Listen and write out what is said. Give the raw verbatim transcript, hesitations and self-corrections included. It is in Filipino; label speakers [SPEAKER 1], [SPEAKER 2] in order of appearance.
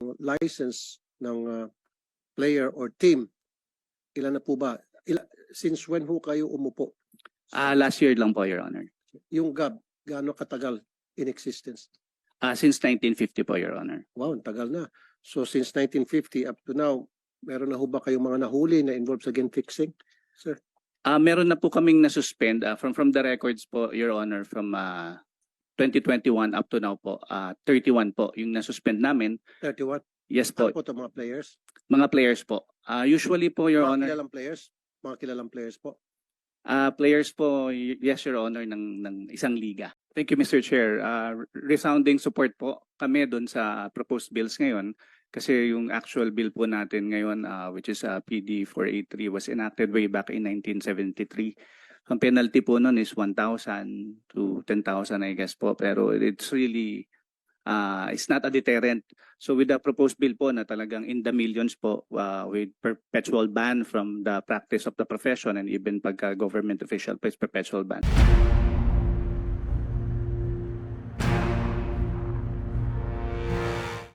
[SPEAKER 1] license ng uh, player or team, ilan na po ba? Ila, since when ho kayo umupo?
[SPEAKER 2] Ah, last year lang po, Your Honor.
[SPEAKER 1] Yung G A B, gaano katagal in existence?
[SPEAKER 2] Ah, since nineteen fifty po, Your Honor.
[SPEAKER 1] Wow, ang tagal na. So since nineteen fifty up to now, meron na ho ba kayong mga nahuli na involved sa game fixing? Sir?
[SPEAKER 2] Ah, meron na po kaming na-suspend ah, from from the records po, Your Honor, from ah, twenty twenty-one up to now po, ah, thirty-one po yung na-suspend namin.
[SPEAKER 1] thirty-one?
[SPEAKER 2] Yes po,
[SPEAKER 1] Ano po ito mga players?
[SPEAKER 2] mga players po. Ah, usually po, Your
[SPEAKER 1] Mga
[SPEAKER 2] Honor,
[SPEAKER 1] kilalang players? Mga kilalang players po?
[SPEAKER 2] ah, players po, y- yes, Your Honor, ng, ng isang liga.
[SPEAKER 3] Thank you, Mister Chair. Uh, resounding support po kami doon sa proposed bills ngayon kasi yung actual bill po natin ngayon, uh, which is uh, P D four eighty-three, was enacted way back in nineteen seventy-three. Ang penalty po noon is one thousand to ten thousand, I guess po. Pero it's really, uh, it's not a deterrent. So with the proposed bill po na talagang in the millions po, uh, with perpetual ban from the practice of the profession and even pagka government official, perpetual ban.